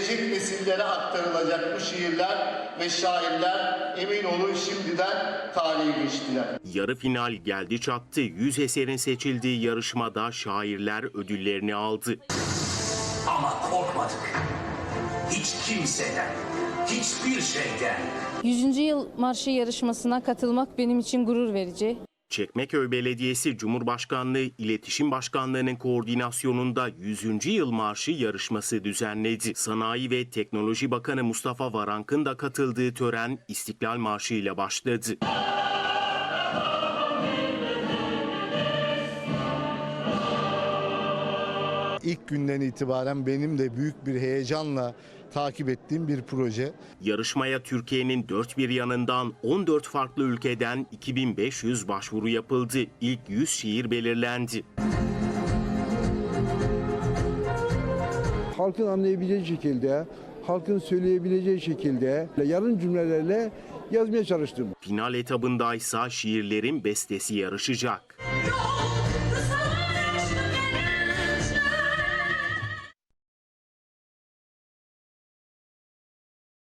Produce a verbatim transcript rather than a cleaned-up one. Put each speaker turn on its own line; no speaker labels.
gelecek nesillere aktarılacak bu şiirler ve şairler emin olun şimdiden tarihe geçtiler.
Yarı final geldi çattı. yüz eserin seçildiği yarışmada şairler ödüllerini aldı.
Ama korkmadık. Hiç kimseden, hiçbir şeyden.
yüzüncü yıl marşı yarışmasına katılmak benim için gurur verici.
Çekmeköy Belediyesi Cumhurbaşkanlığı İletişim Başkanlığı'nın koordinasyonunda yüzüncü yıl marşı yarışması düzenledi. Sanayi ve Teknoloji Bakanı Mustafa Varank'ın da katıldığı tören İstiklal Marşı ile başladı.
İlk günden itibaren benim de büyük bir heyecanla takip ettiğim bir proje.
Yarışmaya Türkiye'nin dört bir yanından on dört farklı ülkeden iki bin beş yüz başvuru yapıldı. İlk yüz şiir belirlendi.
Halkın anlayabileceği şekilde, halkın söyleyebileceği şekilde yarın cümlelerle yazmaya çalıştım.
Final etabındaysa şiirlerin bestesi yarışacak.